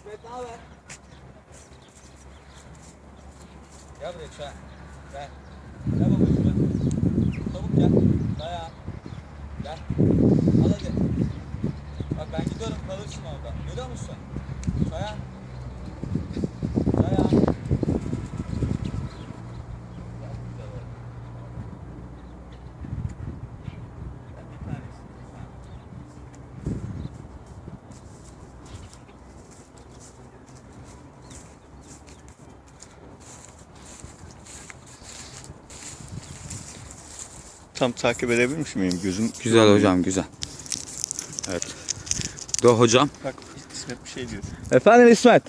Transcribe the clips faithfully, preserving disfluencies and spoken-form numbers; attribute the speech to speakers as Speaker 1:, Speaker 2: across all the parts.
Speaker 1: İsmet ne haber? Gel buraya çay. Gel. Gel babacığım gel. Çabuk gel. Dayan. Gel. Al hadi. Bak ben gidiyorum kalırsın orada. Görüyor musun? Dayan. Dayan.
Speaker 2: Tam takip edebilmiş miyim? Gözüm
Speaker 3: Güzel hocam, güzel. Evet. Do hocam.
Speaker 2: Bak İsmet bir şey diyor.
Speaker 3: Efendim İsmet.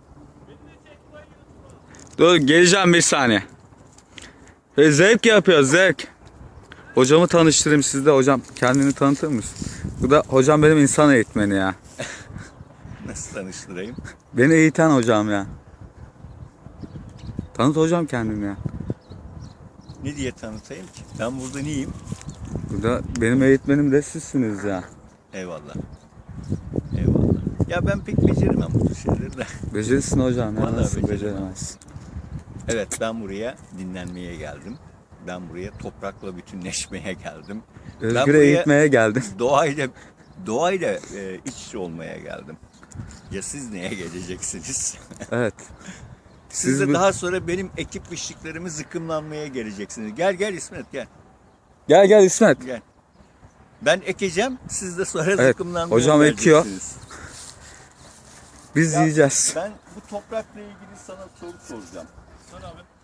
Speaker 3: Dur geleceğim bir saniye. Ve zevk yapıyor zevk. Hocamı tanıştırayım sizde hocam. Kendini tanıtır mısın? Bu da hocam benim insan eğitmeni ya.
Speaker 2: Nasıl tanıştırayım?
Speaker 3: Beni eğiten hocam ya. Tanıt hocam kendini ya.
Speaker 2: Ne diye tanıtayım ki? Ben burada neyim?
Speaker 3: Bu da benim eğitmenim de sizsiniz ya.
Speaker 2: Eyvallah. Eyvallah. Ya ben pek beceremem bu tür şeyleri de.
Speaker 3: Becerirsin hocam ya.
Speaker 2: Vallahi
Speaker 3: Nasıl
Speaker 2: beceremem.
Speaker 3: beceremezsin?
Speaker 2: Evet, ben buraya dinlenmeye geldim. Ben buraya toprakla bütünleşmeye geldim. Ben
Speaker 3: Özgür
Speaker 2: buraya
Speaker 3: eğitmeye geldim.
Speaker 2: Doğayla doğayla e, iç içe olmaya geldim. Ya siz neye geleceksiniz?
Speaker 3: Evet.
Speaker 2: Siz,
Speaker 3: Siz
Speaker 2: de
Speaker 3: bu-
Speaker 2: daha sonra benim ekip biçtiklerimi zıkkımlanmaya geleceksiniz. Gel gel İsmet gel.
Speaker 3: Gel gel İsmet.
Speaker 2: Gel. Ben ekeceğim, siz de sonra
Speaker 3: Evet,
Speaker 2: zıkkımlanmaya
Speaker 3: hocam ekiyor.
Speaker 2: geleceksiniz.
Speaker 3: Biz
Speaker 2: Ya,
Speaker 3: yiyeceğiz.
Speaker 2: Ben bu toprakla ilgili sana soru soracağım.
Speaker 1: Sor abi.